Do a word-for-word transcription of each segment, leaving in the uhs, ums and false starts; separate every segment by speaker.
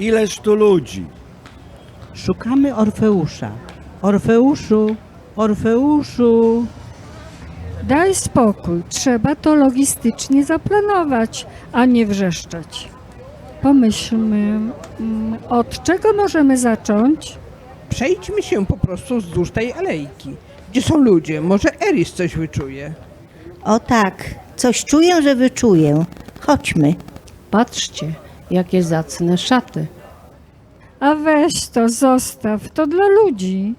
Speaker 1: Ileż tu ludzi?
Speaker 2: Szukamy Orfeusza. Orfeuszu, Orfeuszu.
Speaker 3: Daj spokój, trzeba to logistycznie zaplanować, a nie wrzeszczeć. Pomyślmy, mm, od czego możemy zacząć?
Speaker 4: Przejdźmy się po prostu wzdłuż tej alejki. Gdzie są ludzie? Może Eris coś wyczuje.
Speaker 5: O tak, coś czuję, że wyczuję. Chodźmy.
Speaker 6: Patrzcie, jakie zacne szaty.
Speaker 3: A weź to, zostaw, to dla ludzi.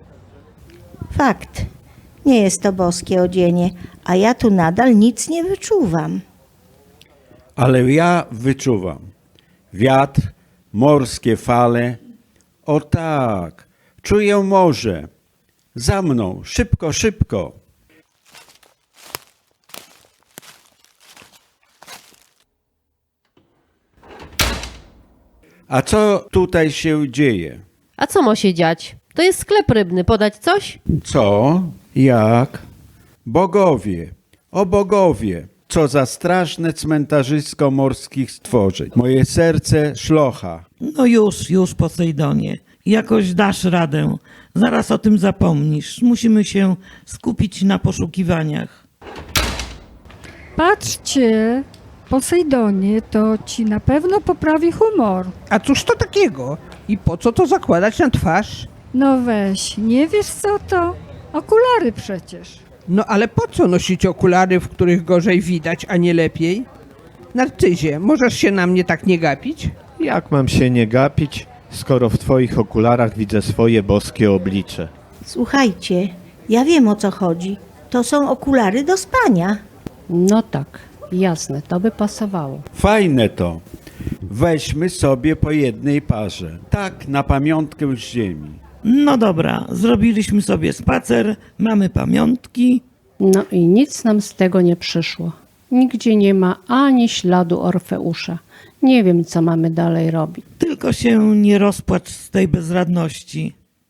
Speaker 5: Fakt. Nie jest to boskie odzienie, a ja tu nadal nic nie wyczuwam.
Speaker 1: Ale ja wyczuwam. Wiatr, morskie fale. O tak, czuję morze. Za mną, szybko, szybko. A co tutaj się dzieje?
Speaker 6: A co ma się dziać? To jest sklep rybny, podać coś?
Speaker 1: Co? Jak? Bogowie, o bogowie, co za straszne cmentarzysko morskich stworzeń. Moje serce szlocha.
Speaker 2: No już, już, Posejdonie. Jakoś dasz radę. Zaraz o tym zapomnisz. Musimy się skupić na poszukiwaniach.
Speaker 3: Patrzcie, Posejdonie, to ci na pewno poprawi humor.
Speaker 4: A cóż to takiego? I po co to zakładać na twarz?
Speaker 3: No weź, nie wiesz co to? Okulary przecież.
Speaker 4: No ale po co nosić okulary, w których gorzej widać, a nie lepiej? Narcyzie, możesz się na mnie tak nie gapić?
Speaker 7: Jak mam się nie gapić, skoro w twoich okularach widzę swoje boskie oblicze?
Speaker 5: Słuchajcie, ja wiem o co chodzi. To są okulary do spania.
Speaker 6: No tak, jasne, to by pasowało.
Speaker 1: Fajne to. Weźmy sobie po jednej parze. Tak, na pamiątkę z ziemi.
Speaker 2: No dobra, zrobiliśmy sobie spacer, mamy pamiątki.
Speaker 6: No i nic nam z tego nie przyszło. Nigdzie nie ma ani śladu Orfeusza. Nie wiem, co mamy dalej robić.
Speaker 2: Tylko się nie rozpłacz z tej bezradności.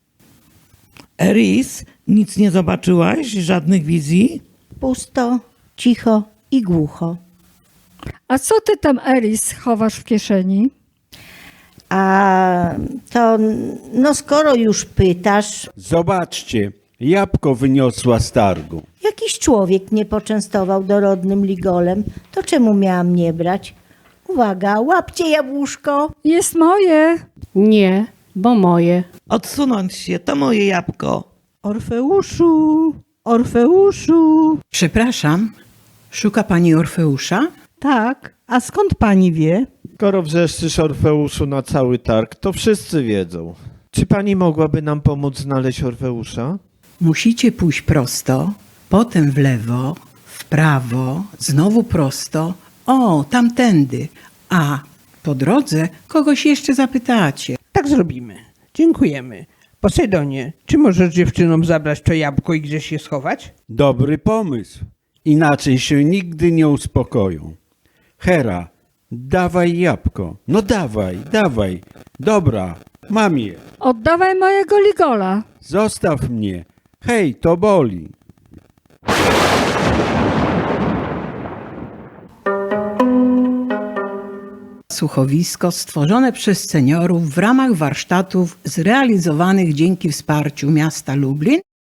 Speaker 2: Eris, nic nie zobaczyłaś? Żadnych wizji?
Speaker 5: Pusto, cicho i głucho.
Speaker 3: A co ty tam, Eris, chowasz w kieszeni?
Speaker 5: A to, no skoro już pytasz,
Speaker 1: Zobaczcie, jabłko wyniosła z targu.
Speaker 5: jakiś człowiek mnie poczęstował dorodnym ligolem, to czemu miałam nie brać? Uwaga, łapcie jabłuszko.
Speaker 3: Jest moje.
Speaker 6: Nie, bo moje.
Speaker 2: Odsunąć się, to moje jabłko. Orfeuszu, Orfeuszu.
Speaker 8: Przepraszam, szuka pani Orfeusza?
Speaker 2: Tak, a skąd pani wie?
Speaker 7: Skoro wrzeszczysz Orfeuszu na cały targ, to wszyscy wiedzą. Czy pani mogłaby nam pomóc znaleźć Orfeusza?
Speaker 8: Musicie pójść prosto, potem w lewo, w prawo, znowu prosto, o, tamtędy, a po drodze kogoś jeszcze zapytacie.
Speaker 4: Tak zrobimy. Dziękujemy. Posejdonie, czy możesz dziewczynom zabrać to jabłko i gdzieś je schować?
Speaker 1: Dobry pomysł. Inaczej się nigdy nie uspokoją. Hera, dawaj jabłko. No dawaj, dawaj. Dobra, mam je.
Speaker 3: Oddawaj mojego ligola.
Speaker 1: Zostaw mnie. Hej, to boli.
Speaker 8: Słuchowisko stworzone przez seniorów w ramach warsztatów zrealizowanych dzięki wsparciu miasta Lublin